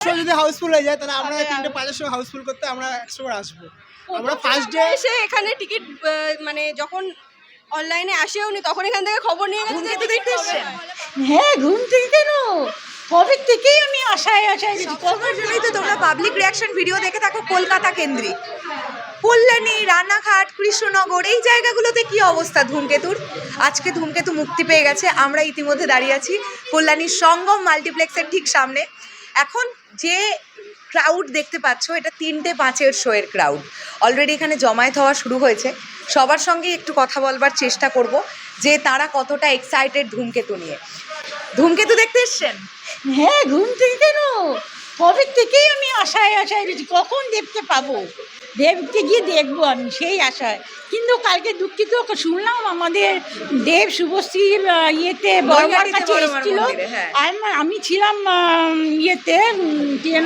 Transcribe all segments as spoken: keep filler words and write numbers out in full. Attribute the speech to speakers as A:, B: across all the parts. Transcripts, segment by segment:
A: যদি হাউসফুল হয়ে যায় তাহলে আমরা তিনটে পাঁচের সময় হাউসফুল করতে আমরা একশো বার আসবো। আমরা ফার্স্ট ডে
B: এসে এখানে টিকিট মানে যখন অনলাইনে আসেও নি তখন এখান থেকে খবর নিয়ে গেছে যে দেখতে এসেছেন।
C: হ্যাঁ, ঘুম থেকে কেন কবে থেকেই আমি আশায় আশায়
D: সবার জন্যই তো তোমরা পাবলিক রিয়াকশন ভিডিও দেখে থাকো কলকাতা কেন্দ্রিক। কল্যাণী, রানাঘাট, কৃষ্ণনগর এই জায়গাগুলোতে কি অবস্থা ধূমকেতুর? আজকে ধূমকেতু মুক্তি পেয়ে গেছে। আমরা ইতিমধ্যে দাঁড়িয়ে আছি কল্যাণীর সঙ্গম মাল্টিপ্লেক্সের ঠিক সামনে। এখন যে ক্রাউড দেখতে পাচ্ছ এটা তিনটে পাঁচের শোয়ের ক্রাউড। অলরেডি এখানে জমায়েত হওয়া শুরু হয়েছে। সবার সঙ্গে একটু কথা বলবার চেষ্টা করব যে তারা কতটা এক্সাইটেড ধূমকেতু নিয়ে। ধূমকেতু দেখতে এসছেন?
C: হ্যাঁ, ঘুম থেকে কেন কবে থেকেই আমি আশায় আশায় রয়েছি কখন দেবকে পাবো, দেবকে গিয়ে দেখবো আমি সেই আশায়। কিন্তু কালকে দুঃখিত শুনলাম আমাদের দেব শুভশ্রীর আহ, ইয়েতে বড়মার কাছে এসেছিল। আর আমি ছিলাম আহ, ইয়েতে উম, কি যেন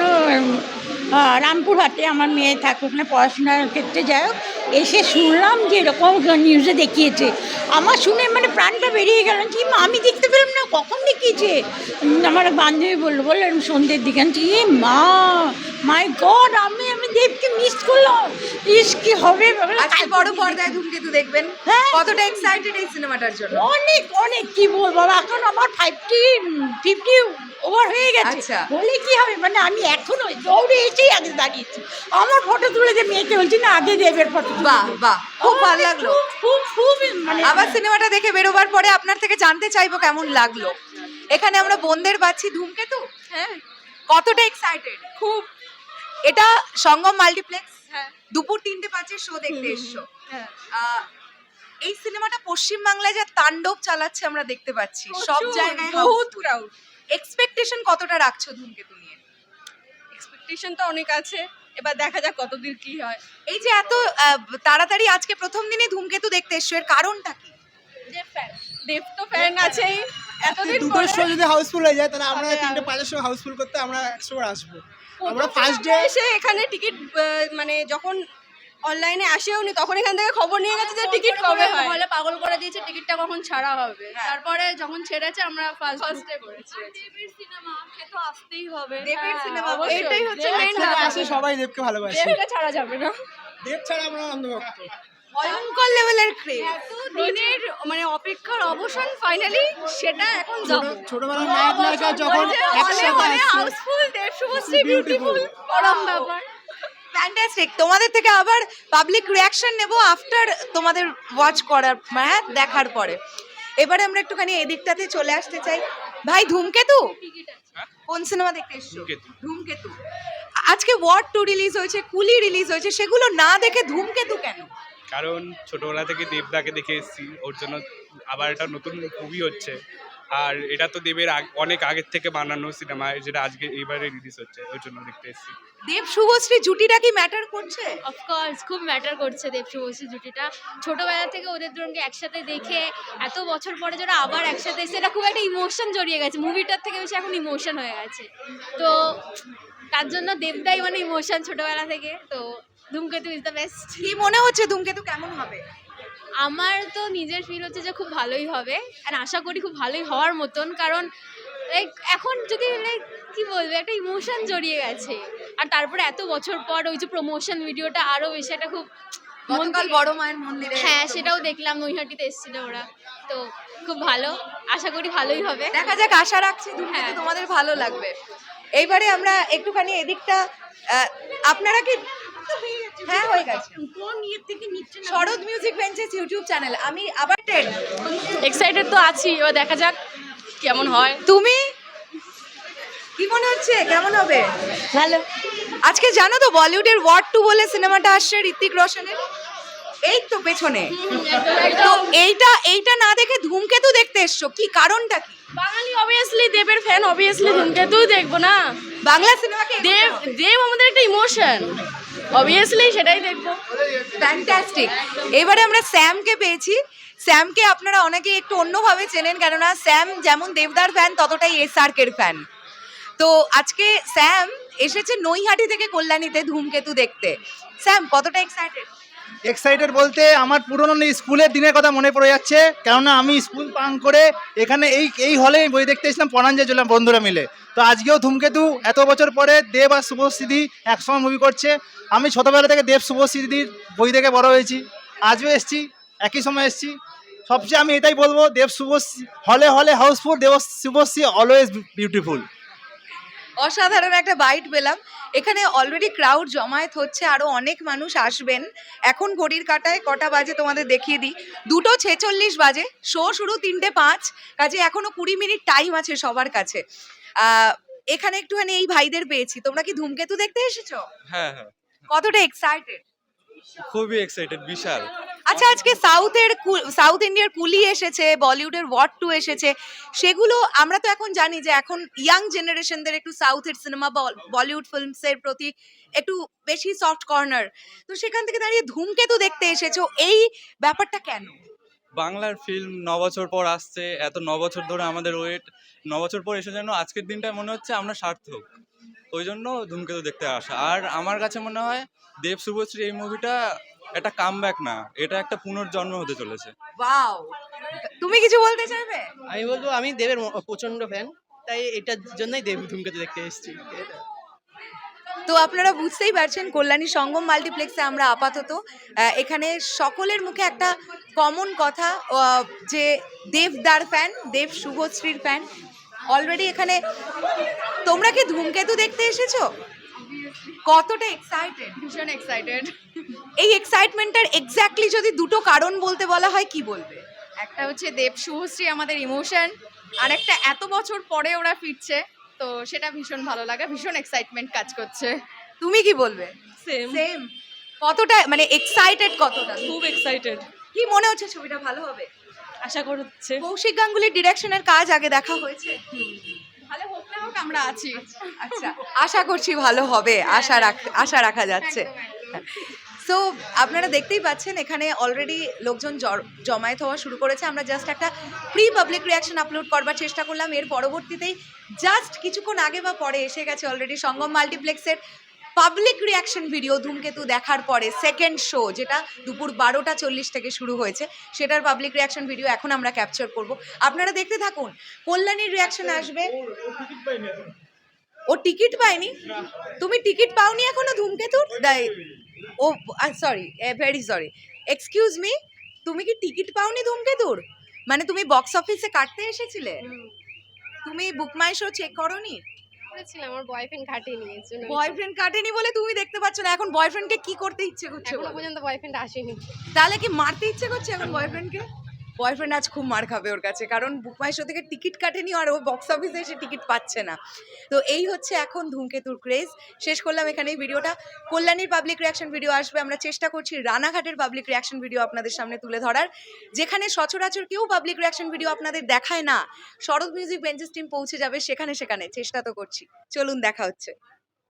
C: আহ, রামপুরহাটে, আমার মেয়ে থাকে ওখানে পড়াশোনার ক্ষেত্রে। যাই হোক, এসে শুনলাম যে এরকম নিউজে দেখিয়েছে। আমার শুনে মানে প্রাণটা বেরিয়ে গেল। কি মা, আমি দেখতে পেলাম না, কখন দেখিয়েছে? উম, আমার বান্ধবী বললো বললো এরকম সন্ধ্যের দিকে। আমি এ মা, মাই গড, আমি আমি দেবকে মিস করলাম। ইস কি হবে।
D: আজকে বড় পর্দায় ধূমকেতু দেখবেন।
C: হ্যাঁ।
D: কতটা এক্সাইটেড এই সিনেমাটার জন্য?
C: অনেক অনেক কি বলবো, এখন আমার ফাইভটি ফিফটি ওভার হয়ে গেছে।
D: আচ্ছা।
C: বলে কি হবে, মানে আমি এখনো দৌড়ে এসেই আগে দাঁড়িয়েছি। আমার ফটো তুলে যে মেয়েকে বলছি না আগে দেবের ফটো।
D: বাহ বাহ, খুব ভালো লাগলো।
C: খুব খুব মানে
D: আবার সিনেমাটা দেখে বেরোবার পরে আপনার থেকে জানতে চাইবো কেমন লাগলো। এখানে আমরা বোনদের পাচ্ছি। ধূমকেতু
B: হ্যাঁ
D: কতটা এক্সাইটেড?
B: খুব।
D: এটা সঙ্গম মাল্টিপ্লেক্স,
B: হ্যাঁ
D: দুপুর তিনটে পাঁচের শো দেখতে এসছো।
B: হ্যাঁ
D: আহ, এই সিনেমাটা পশ্চিম বাংলায় যা তাণ্ডব চালাচ্ছে আমরা দেখতে পাচ্ছি। সব জায়গায়
B: বহুত ক্রাউড।
D: এক্সপেকটেশন কতটা রাখছো ধূমকেতু নিয়ে?
B: এক্সপেকটেশন তো অনেক আছে, এবার দেখা যাক কতদূর কি হয়।
D: এই যে এত আহ, তাড়াতাড়ি আজকে প্রথম দিনে ধূমকেতু দেখতে এসছো, এর কারণটা কি?
B: দেব ফ্যান, দেব তো ফ্যান আছেই এতদিন
A: দুটোর
B: পরে।
A: শো যদি হাউসফুল হয়ে যায় তাহলে আমরা
B: তাহলে
A: তিনটে
B: আর-
A: পাঁচের সময় হাউসফুল করতে আমরা একশো বার আসবো। আমরা
B: আমরা
A: ফার্স্ট ডে
B: এসে এখানে টিকিট মানে যখন অনলাইনে আসেও নি তখন এখান থেকে খবর নিয়ে গেছে যে টিকিট কবে হয়।
E: হলে পাগল করে দিয়েছে টিকিটটা কখন ছাড়া হবে। তারপরে যখন ছেড়েছে আমরা ফার্স্ট
B: ফার্স্ট ডে করেছি।
E: দেবের সিনেমা সে তো আসতেই হবে।
D: দেবের সিনেমা
B: অবশ্যই।
D: এটাই হচ্ছে
B: দেব
D: মেইন
A: একসাথে আসে, সবাই দেবকে ভালোবাসে।
B: দেবকে ছাড়া যাবে না।
A: দেব ছাড়া আমরা অন্ধভক্ত।
D: ভয়ঙ্কর লেভেলের ক্রেজ।
B: দিনের মানে অপেক্ষার অবসান ফাইনালি, সেটা এখন যাবো।
A: ছোট- ছোটবেলার নায়ক নায়িকা যখন একসাথে আসছে,
B: হাউসফুল, দেব শুভশ্রী বিউটিফুল, পরম ব্যাপার।
D: ফ্যান্টাস্টিক। তোমাদের থেকে আবার পাবলিক রিয়াকশন নেব আফটার তোমাদের ওয়াচ করার, হ্যাঁ, দেখার পরে। এবারে আমরা একটুখানি এদিকটাতে চলে আসতে চাই। ভাই, ধূমকেতু কোন সিনেমা দেখতে এসছো? ধূমকেতু। আজকে ওয়ার্ড টু রিলিজ হয়েছে, কুলি রিলিজ হয়েছে, সেগুলো না দেখে ধূমকেতু কেন?
F: কারণ ছোটবেলা থেকে দেবদাকে দেখে এসেছি, ওর জন্য আবার একটা নতুন মুভি হচ্ছে। আর এটা তো দেবের আগ- অনেক আগের থেকে বানানো সিনেমা, যেটা আজকে এইবারে রিলিজ হচ্ছে, ওর জন্য দেখতে এসেছি।
D: দেব শুভশ্রী জুটিটা কি ম্যাটার করছে?
E: অফকোর্স খুব ম্যাটার করছে দেব শুভশ্রী জুটিটা। ছোটবেলা থেকে ওদের দুজনকে একসাথে দেখে এত বছর পরে যারা আবার একসাথে এসে, এটা খুব একটা ইমোশন জড়িয়ে গেছে। মুভিটার থেকে বেশি এখন ইমোশন হয়ে গেছে। তো তার জন্য দেবদাই মানে ইমোশন ছোটবেলা থেকে। তো ধূমকেতু ইজ দ্য বেস্ট।
D: কি মনে হচ্ছে ধূমকেতু কেমন হবে?
E: আমার তো নিজের ফিল হচ্ছে যে খুব ভালোই হবে, আর আশা করি খুব ভালোই হওয়ার মতন। কারণ লাইক এখন যদি লাইক কি বলবো, একটা ইমোশন জড়িয়ে গেছে। আর তারপরে এত বছর পর ওই যে প্রমোশন ভিডিওটা আরো বেশি একটা খুব মন
D: গতকাল
E: থেকে-
D: বড় মায়ের মন্দিরে।
E: হ্যাঁ, সেটাও দেখলাম, নৈহাটিতে এসেছিল ওরা। তো খুব ভালো, আশা করি ভালোই হবে।
D: দেখা যাক, আশা রাখছি ধূমকেতু
E: হ্যাঁ।
D: তোমাদের ভালো লাগবে। এইবারে আমরা একটুখানি এদিকটা, আহ, আপনারা কি, হ্যাঁ হয়ে গেছে,
C: কোন ইয়ে থেকে নিচ্ছে না।
D: Sharat music benches YouTube channel. আমি আবার টেন।
B: এক্সাইটেড তো আছি, এবার দেখা যাক কেমন হয়।
D: তুমি কি মনে হচ্ছে কেমন হবে?
C: ভালো।
D: আজকে জানো তো বলিউডের ওয়ার্ড টু বলে সিনেমাটা আসছে ঋত্বিক রোশনের, এই তো পেছনে। তো এইটা এইটা না দেখে ধূমকেতু দেখতে এসছো, কি কারণটা কি?
B: বাঙালি অবভিয়াসলি দেবের ফ্যান, অবভিয়াসলি ধূমকেতু দেখবো না।
D: বাংলা সিনেমাকে
B: দেব দেব আমাদের একটা ইমোশন, অবভিয়াসলি সেটাই দেখবো।
D: ফ্যান্টাস্টিক। এবারে আমরা স্যামকে পেয়েছি। স্যামকে আপনারা অনেকে একটু অন্যভাবে চেনেন, কেননা স্যাম যেমন দেবদার ফ্যান ততটাই এস আর কের ফ্যান। তো আজকে স্যাম এসেছে নৈহাটি থেকে কল্যাণীতে ধূমকেতু দেখতে। স্যাম কতটা এক্সাইটেড?
G: এক্সাইটেড বলতে আমার পুরনো স্কুলের দিনের কথা মনে পড়ে যাচ্ছে, কেননা আমি স্কুল পাং করে এখানে এই এই হলে বই দেখতে এসেছিলাম পরাঞ্জয় চললাম বন্ধুরা মিলে। তো আজকেও ধূমকেতু এত বছর পরে দেব আর শুভশ্রীদি একসঙ্গে মুভি করছে। আমি ছোটোবেলা থেকে দেব শুভশ্রীদির বই দেখে বড় হয়েছি, আজও এসেছি, একই সময় এসেছি। সবচেয়ে আমি এটাই বলবো, দেব শুভশ্রী হলে হলে house full, Dev Subhashree always beautiful.
D: অসাধারণ একটা বাইট পেলাম। এখানে অলরেডি ক্রাউড জমায়েত হচ্ছে, আরো অনেক মানুষ আসবেন। এখন ঘড়ির কাঁটায় কটা বাজে তোমাদের দেখিয়ে দিই, দুটো ছেচল্লিশ বাজে, শো শুরু তিনটে পাঁচ, কাজে এখনো কুড়ি মিনিট টাইম আছে সবার কাছে। আহ, এখানে একটুখানি এই ভাইদের পেয়েছি, তোমরা কি ধূমকেতু দেখতে এসেছো?
H: হ্যাঁ হ্যাঁ,
D: কতটা এক্সাইটেড?
H: খুবই এক্সাইটেড, বিশাল।
D: আচ্ছা, আজকে সাউথের সাউথ ইন্ডিয়ার কুলি এসেছে, বলিউডের ওয়াট টু এসেছে, সেগুলো আমরা তো এখন জানি যে এখন ইয়াং জেনারেশনদের একটু সাউথের সিনেমা বলিউড ফিল্মসের প্রতি একটু বেশি সফট কর্নার, তো সেখান থেকে দাঁড়িয়ে ধূমকেতু দেখতে এসেছো, এই ব্যাপারটা কেন?
H: বাংলার ফিল্ম ন বছর পর আসছে, এত ন বছর ধরে আমাদের ওয়েট, ন বছর পর এসে যেন আজকের দিনটা মনে হচ্ছে আমরা সার্থক, ওই জন্য ধূমকেতু দেখতে আসা। আর আমার কাছে মনে হয় দেব শুভশ্রী এই মুভিটা একটা কামব্যাক না, এটা একটা পুনর্জন্ম হতে চলেছে।
D: ওয়াও, তুমি কিছু বলতে চাইবে?
A: আমি বলবো আমি দেবের প্রচন্ড ফ্যান, তাই এটার জন্যই দেব ধূমকেতু দেখতে এসেছি।
D: তো আপনারা বুঝতেই পারছেন, কল্যাণী সঙ্গম মাল্টিপ্লেক্সে আমরা আপাতত আহ, এখানে সকলের মুখে একটা কমন কথা, আহ, যে দেবদার ফ্যান, দেব শুভশ্রীর ফ্যান। অলরেডি এখানে তোমরা কি ধূমকেতু দেখতে এসেছো? কতটা এক্সাইটেড?
B: ভীষণ এক্সাইটেড।
D: এই এক্সাইটমেন্টটার এক্স্যাক্টলি যদি দুটো কারণ বলতে বলা হয়, কি বলবে?
B: একটা হচ্ছে দেব শুভশ্রী আমাদের ইমোশন, আর একটা এত বছর পরে ওরা ফিরছে, তো সেটা ভীষণ ভালো লাগে, ভীষণ এক্সাইটমেন্ট কাজ করছে।
D: তুমি কি বলবে?
B: সেম।
D: সেম। কতটা মানে এক্সাইটেড, কতটা?
B: খুব এক্সাইটেড,
D: কি মনে হচ্ছে ছবিটা ভালো হবে?
B: আশা করছে
D: কৌশিক গাঙ্গুলির ডিরেকশনের কাজ আগে দেখা হয়েছে?
B: ভালো হোক না হোক আমরা আছি।
D: আচ্ছা, আশা করছি ভালো হবে, আশা রাখ আশা রাখা যাচ্ছে। সো আপনারা দেখতেই পাচ্ছেন এখানে অলরেডি লোকজন জ- জমায়েত হওয়া শুরু করেছে। আমরা জাস্ট একটা প্রি পাবলিক রিয়াকশন আপলোড করবার চেষ্টা করলাম, এর পরবর্তীতেই জাস্ট কিছুক্ষণ আগে বা পরে এসে গেছে অলরেডি সঙ্গম মাল্টিপ্লেক্সের পাবলিক রিয়াকশন ভিডিও ধূমকেতু দেখার পরে সেকেন্ড শো, যেটা দুপুর বারোটা চল্লিশ থেকে শুরু হয়েছে, সেটার পাবলিক রিয়াকশন ভিডিও এখন আমরা ক্যাপচার করব। আপনারা দেখতে থাকুন, কল্যাণীর রিয়াকশন আসবে। ও টিকিট পায়নি? তুমি টিকিট পাওনি এখনো ধূমকেতুর? দাই- ও sorry, very sorry, excuse me, তুমি কি টিকিট পাওনি ধূমকেতুর? মানে তুমি বক্স অফিসে কাটতে এসেছিলে, তুমি বুক মাই শো চেক করোনি?
E: করেছিলাম, আমার বয়ফ্রেন্ড ঘাটিয়ে নিয়েছে।
D: বয়ফ্রেন্ড কাটেনি বলে তুমি দেখতে পাচ্ছ না। এখন বয়ফ্রেন্ডকে কি করতে ইচ্ছে করছে?
E: এখনো
D: বলো?
E: পর্যন্ত বয়ফ্রেন্ড আসেনি।
D: তাহলে কি মারতে ইচ্ছে করছে এখন বয়ফ্রেন্ডকে? বয়ফ্রেন্ড আজ খুব মার খাবে ওর কাছে, কারণ বুক মাই শো থেকে টিকিট কাটেনি আর ও বক্স অফিসে এসে টিকিট পাচ্ছে না। তো এই হচ্ছে এখন ধূমকেতুর ক্রেজ। শেষ করলাম এখানে এই ভিডিওটা। কল্যাণীর পাবলিক রিয়াকশন ভিডিও আসবে, আমরা চেষ্টা করছি রানাঘাটের পাবলিক রিয়াকশন ভিডিও আপনাদের সামনে তুলে ধরার, যেখানে সচরাচর কেউ পাবলিক রিয়াকশন ভিডিও আপনাদের দেখায় না। শরৎ মিউজিক বেঞ্চেস টিম পৌঁছে যাবে সেখানে সেখানে, চেষ্টা তো করছি। চলুন, দেখা হচ্ছে।